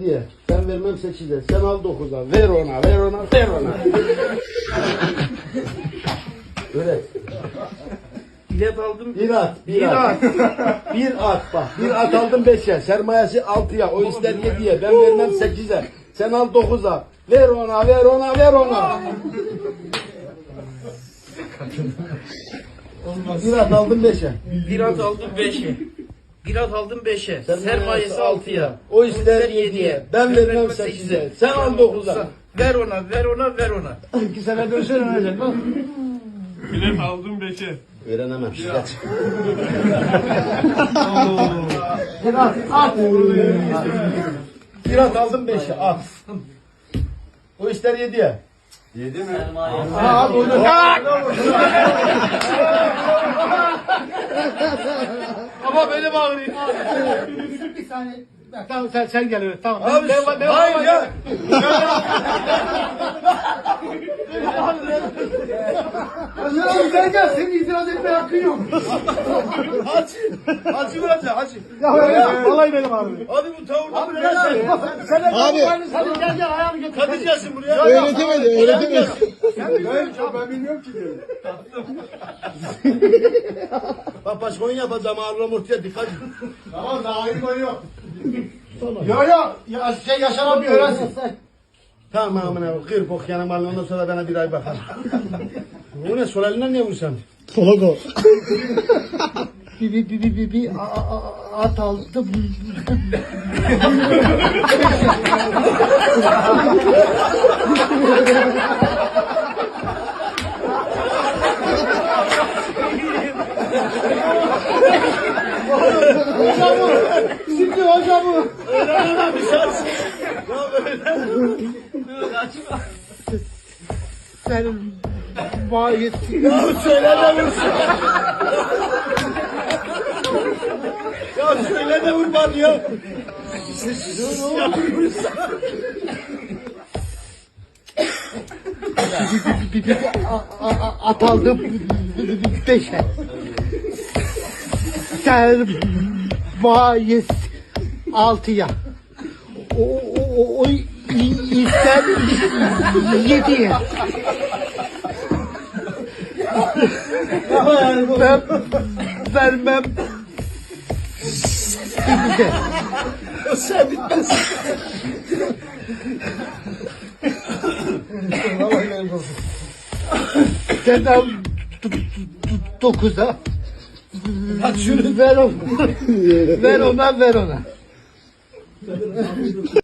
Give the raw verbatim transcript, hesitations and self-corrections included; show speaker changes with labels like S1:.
S1: yediye. Ben vermem sekize. Sen al dokuza. Ver ona, ver ona, ver ona. Öyle.
S2: Bilet aldım.
S1: Bir at, bir,
S2: Bir
S1: at. Bir at bak. Bir at aldım beşe. Sermayesi altıya. O ister yediye. Ben vermem sekize. Sen al dokuza. Ver ona, ver ona, ver ona. Bir at aldım beşe.
S2: Bir at aldım beşe. Bir at aldım beşe. Sermayesi altıya.
S1: O ister yediye. Ben vermem sekize. Sen al dokuza.
S2: Ver ona, ver ona, ver ona.
S1: İki sene dönsen ölecek bak.
S3: Bilet aldım beşe.
S1: Öğrenemem. Geç. Bir at, at. Bir at aldım beşe, at. O ister yediye.
S3: Yedi mi?
S1: Ha, at oyunu.
S2: Ama böyle bağırayım.
S4: Bir saniye. Ya, tamam sen sen gel öyle. Tamam.
S1: Abi,
S4: Ben- ben- ben-
S1: hayır
S4: ben-
S1: ya.
S4: Özel abi gel gel. Senin itiraz etmeye hakkın yok.
S1: Hacı, hacı bırak ya, hacı.
S4: Ya öyle ya. Vallahi benim abi.
S1: Abi bu tavırda
S4: Abi
S1: mı
S4: gel
S1: sen?
S4: abi. Sen de
S5: Abi.
S4: Hadi gel gel ayağını getir.
S1: Kadıcasın buraya.
S5: Öğretemedi, öğretemedi.
S4: Sen bilmiyorsun. Ben bilmiyorum ki diyor.
S1: Bak başka oyun yapacağım, ağırlam ortaya dikkat.
S4: Tamam daha oyun oyun yok. Yo yo. Ya, şey Yaşar abi öğrensin.
S1: Tamam amına, kır bok yanım alın, ondan sonra bana bir ay bakar. Bu ne, sol elinden niye vursan?
S5: Sola gol.
S4: Bir bir bir bir bir bir a- a- a- at aldım. Hocam şimdi hocamı.
S1: Öğrenemem bir şans. Ya böyle.
S4: Sen bayit.
S1: Ya söyle de vursun. Ya söyle de vur bana ya. Ya vursun.
S4: A- a- At aldım beşe. Sermayes altıya. O, o, o, o ister yediye. Ben vermem sekize.
S1: Sen bitmezsin.
S4: Sen al dokuza.
S1: Bak şunu.
S4: Ver ona. Ver ona ver ona.